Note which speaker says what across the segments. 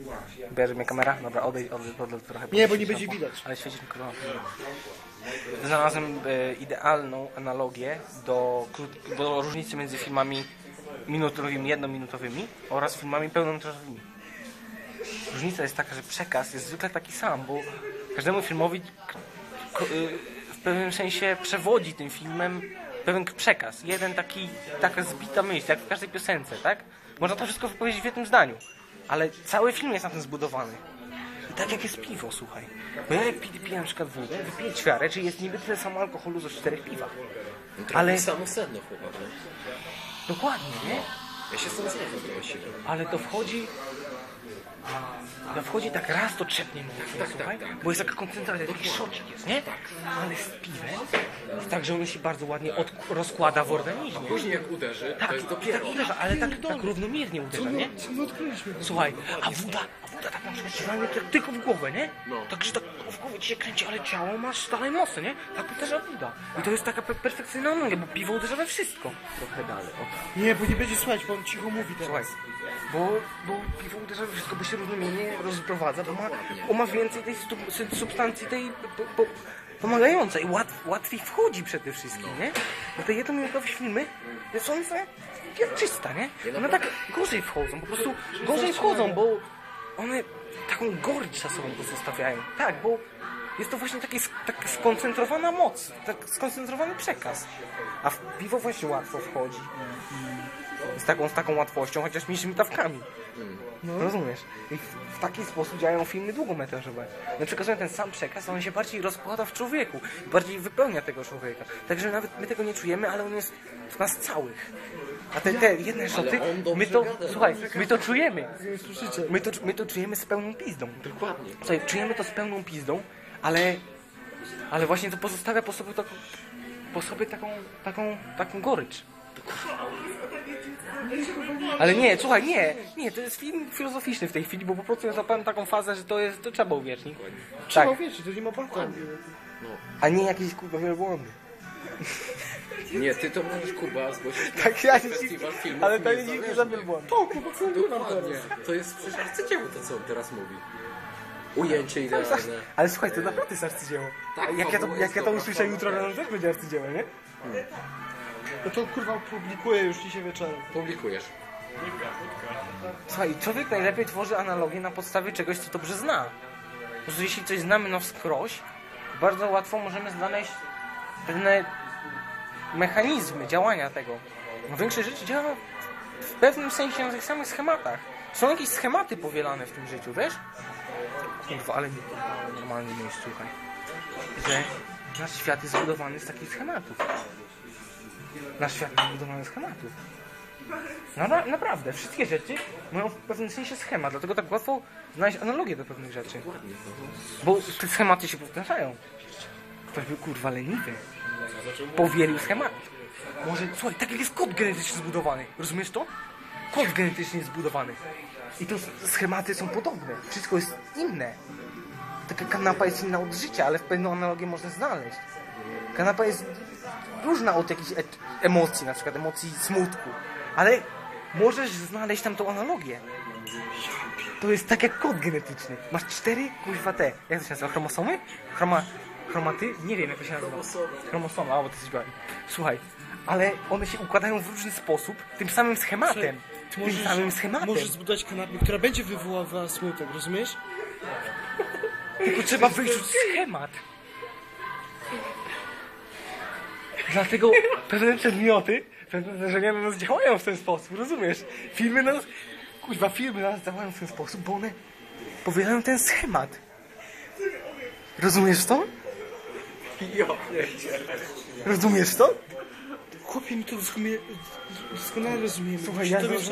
Speaker 1: Bierze mnie kamera? Dobra, odejdź trochę.
Speaker 2: Nie, bo nie będzie widać.
Speaker 1: Ale świecić mi kurwa. Znalazłem idealną analogię do różnicy między filmami minutowymi, jednominutowymi oraz filmami pełnometrażowymi. Różnica jest taka, że przekaz jest zwykle taki sam, bo każdemu filmowi w pewnym sensie przewodzi tym filmem pewien przekaz. Taka zbita myśl, jak w każdej piosence, tak? Można to wszystko wypowiedzieć w jednym zdaniu, ale cały film jest na tym zbudowany. I tak jak jest piwo, słuchaj. Bo ja jak piję na przykład wódę, wypiję ćwiarę, czyli jest niby tyle samo alkoholu ze 4 piwa.
Speaker 3: Ale samo sedno chyba, nie?
Speaker 1: Dokładnie, nie?
Speaker 3: Ja się z tym zgadzam właściwie.
Speaker 1: Ale to wchodzi tak raz, to trzepnie mnie, słuchaj, bo jest taka koncentracja, taki szocik jest, nie? Ale z piwem jest tak, że on się bardzo ładnie rozkłada w organizmie.
Speaker 3: Później jak uderzy,
Speaker 1: tak,
Speaker 3: to jest dopiero...
Speaker 1: tak uderza, ale tak równomiernie uderza, nie? Słuchaj, a woda tak na przykład ci walnie tylko w głowę, nie? Także tak w głowie ci się kręci, ale ciało masz dalej mocne, nie? Tak uderza woda. I to jest taka perfekcyjna analogia, bo piwo uderza we wszystko. Trochę dalej, o.
Speaker 2: Nie, bo nie będzie słuchać, bo on cicho mówi teraz.
Speaker 1: Słuchaj, bo piwo uderza we wszystko, bo się równomiernie rozprowadza, bo ma więcej tej substancji, tej pomagającej. Łatwiej wchodzi przede wszystkim, nie? Bo te jednominutowe filmy są czysta, nie? One tak gorzej wchodzą, po prostu gorzej wchodzą, bo one taką gorycz czasową pozostawiają. Tak, bo jest to właśnie taka skoncentrowana moc, tak skoncentrowany przekaz. A w piwo właśnie łatwo wchodzi. Z taką łatwością, chociaż mniejszymi dawkami. No. Rozumiesz? I w taki sposób działają filmy długometrażowe. No przekazują ten sam przekaz, a on się bardziej rozkłada w człowieku. Bardziej wypełnia tego człowieka. Także nawet my tego nie czujemy, ale on jest w nas całych. A te jedne szoty, my to czujemy. My to czujemy z pełną pizdą.
Speaker 3: Dokładnie.
Speaker 1: Słuchaj, czujemy to z pełną pizdą, ale właśnie to pozostawia po sobie taką gorycz. Ale nie, słuchaj, nie, to jest film filozoficzny w tej chwili, bo po prostu ja zapałem taką fazę, że to trzeba uwierzyć.
Speaker 2: Trzeba uwierzyć, to nie ma balkonu.
Speaker 1: A nie jakieś kurwa wielbłądy.
Speaker 3: Nie, ty to możesz, Kuba, zgłosić
Speaker 1: tak, ja
Speaker 3: festiwal filmów.
Speaker 1: ale to nie za wielbłądy.
Speaker 2: To, Kuba, co on
Speaker 3: Dokładnie. To jest przecież arcydzieło to, co on teraz mówi. Ujęcie idealne.
Speaker 1: Ale słuchaj, to naprawdę jest arcydzieło.
Speaker 3: Tak,
Speaker 1: jak ja to usłyszę jutro rano, też będzie arcydzieło, nie?
Speaker 2: No to kurwa publikuję już dzisiaj wieczorem.
Speaker 3: Publikujesz.
Speaker 1: Słuchaj, człowiek najlepiej tworzy analogię na podstawie czegoś, co dobrze zna. Po prostu jeśli coś znamy na wskroś, bardzo łatwo możemy znaleźć pewne mechanizmy działania tego. No, większość rzeczy działa w pewnym sensie na tych samych schematach. Są jakieś schematy powielane w tym życiu, wiesz? Kurwa, ale nie normalnie miejscu, słuchaj. Że nasz świat jest zbudowany z takich schematów. Nasz świat jest zbudowany z schematów. No naprawdę, wszystkie rzeczy mają w pewnym sensie schemat, dlatego tak łatwo znaleźć analogię do pewnych rzeczy. Bo te schematy się powtarzają. Ktoś był kurwa leniwy. Powielił schemat. Może, słuchaj, tak jak jest kod genetycznie zbudowany. Rozumiesz to? Kod genetycznie jest zbudowany. I to schematy są podobne. Wszystko jest inne. Taka kanapa jest inna od życia, ale w pewną analogię można znaleźć. Kanapa jest różna od jakichś emocji, na przykład emocji smutku. Ale możesz znaleźć tam tą analogię. To jest tak jak kod genetyczny. Masz 4, kuźwa te. Jak to się nazywa? Chromosomy? Chromaty? Nie wiem jak to się nazywa. Chromosomy, bo to jesteś błędny. Słuchaj, ale one się układają w różny sposób, tym samym schematem.
Speaker 2: Możesz zbudować kanapę, która będzie wywoływała smutek, rozumiesz?
Speaker 1: Tylko trzeba wyrzucić schemat. Dlatego pewne przedmioty, pewne zdarzenia na nas działają w ten sposób, rozumiesz? Filmy na nas działają w ten sposób, bo one powielają ten schemat. Rozumiesz to? Rozumiesz to?
Speaker 2: Chłopie, mi to doskonale rozumiem.
Speaker 1: Słuchaj,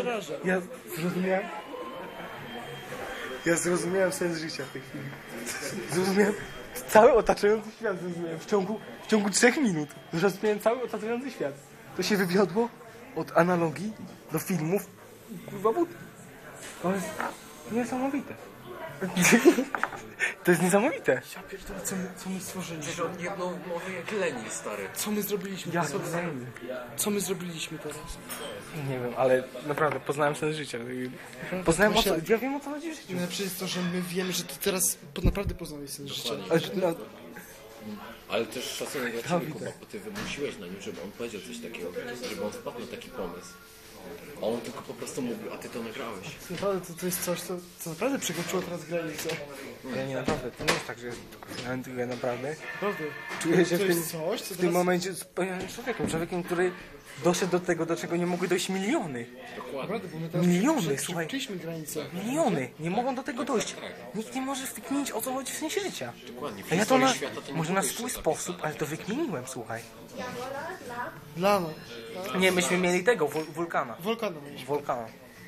Speaker 1: ja zrozumiałem sens życia w tej chwili. Zrozumiałem cały otaczający świat, zrozumiałem w ciągu 3 minut. Zrozumiałem cały otaczający świat. To się wywiodło od analogii do filmów kurwa wód. To jest niesamowite. To jest niesamowite.
Speaker 2: Ja pierdolę, co my stworzyliśmy?
Speaker 3: Przecież on jedną mówi jak Lenin, stary.
Speaker 2: Co my zrobiliśmy?
Speaker 1: Jak
Speaker 2: Co my zrobiliśmy teraz?
Speaker 1: Nie wiem, ale naprawdę poznałem sens życia. Poznałem o co, ja wiem o co chodzi w życiu.
Speaker 2: Najlepsze jest to, że my wiemy, że ty teraz naprawdę poznałeś sens życia.
Speaker 1: Ale, no,
Speaker 3: Ale też szacunek dla ciebie, Kuba, bo ty wymusiłeś na nim, żeby on powiedział coś takiego, żeby on wpadł na taki pomysł. A on tylko po prostu mówił, a ty to nagrałeś.
Speaker 2: Naprawdę to jest coś, co naprawdę przekroczyło teraz granicę.
Speaker 1: ja nie naprawdę, to nie jest tak, że ja naprawdę
Speaker 2: Naprawdę.
Speaker 1: czuję się
Speaker 2: To
Speaker 1: w tym,
Speaker 2: jest coś, co
Speaker 1: w tym
Speaker 2: teraz...
Speaker 1: momencie spełnionym człowiekiem, który doszedł do tego, do czego nie mogły dojść miliony.
Speaker 3: Dokładnie.
Speaker 2: Naprawdę, bo my teraz
Speaker 1: Miliony, słuchaj.
Speaker 2: przekroczyliśmy granicę.
Speaker 1: Miliony nie mogą do tego dojść. Nikt nie może wykminić, o co chodzi w sensie życia.
Speaker 3: Dokładnie. W
Speaker 1: A ja to
Speaker 3: historii
Speaker 1: na,
Speaker 3: świata to nie
Speaker 1: może na
Speaker 3: było
Speaker 1: swój
Speaker 3: jeszcze
Speaker 1: sposób, ale to wykminiłem, słuchaj.
Speaker 2: Dla nas.
Speaker 1: Nie, myśmy mieli tego, wulkana.
Speaker 2: Wulkana mieliśmy.
Speaker 1: Wulkana.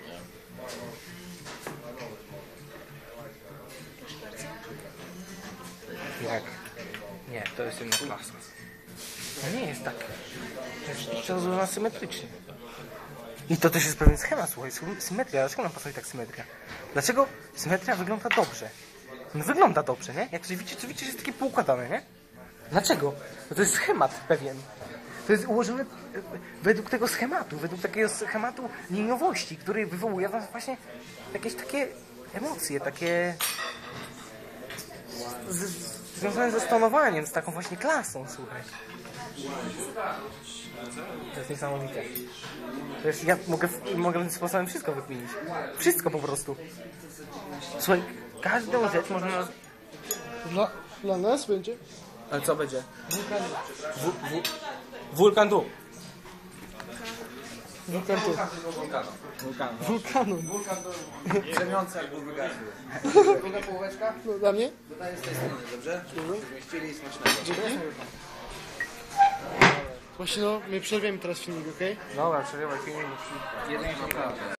Speaker 1: Jak? Nie, to jest inna klasa. To nie jest tak. To jest rozłożona symetrycznie. I to też jest pewien schemat, słuchaj, symetria. Dlaczego nam pasuje tak symetria? Dlaczego symetria wygląda dobrze? No wygląda dobrze, nie? Jak coś widzicie, to widzicie, że jest takie poukładane, nie? Dlaczego? No to jest schemat pewien. To jest ułożone według tego schematu, według takiego schematu liniowości, który wywołuje w nas właśnie jakieś takie emocje, takie związane ze stonowaniem, z taką właśnie klasą, słuchaj. To jest niesamowite. To jest, ja mogę tym sposobem wszystko wykminić. Wszystko po prostu. Słuchaj, każdą rzecz można...
Speaker 2: Dla nas będzie?
Speaker 1: Ale co będzie? Wulkan tu.
Speaker 2: Wulkan tu. Wulkanu.
Speaker 4: Drzemiące jak był wygasły. Druga połóweczka?
Speaker 2: No, dla mnie?
Speaker 4: Dodaję z tej strony, dobrze? Żebyśmy chcieli i smacznego.
Speaker 2: Dzięki. Właśnie no, my przerwiemy teraz filmik, okej?
Speaker 1: Dobra, przerywaj film.
Speaker 4: Jeden się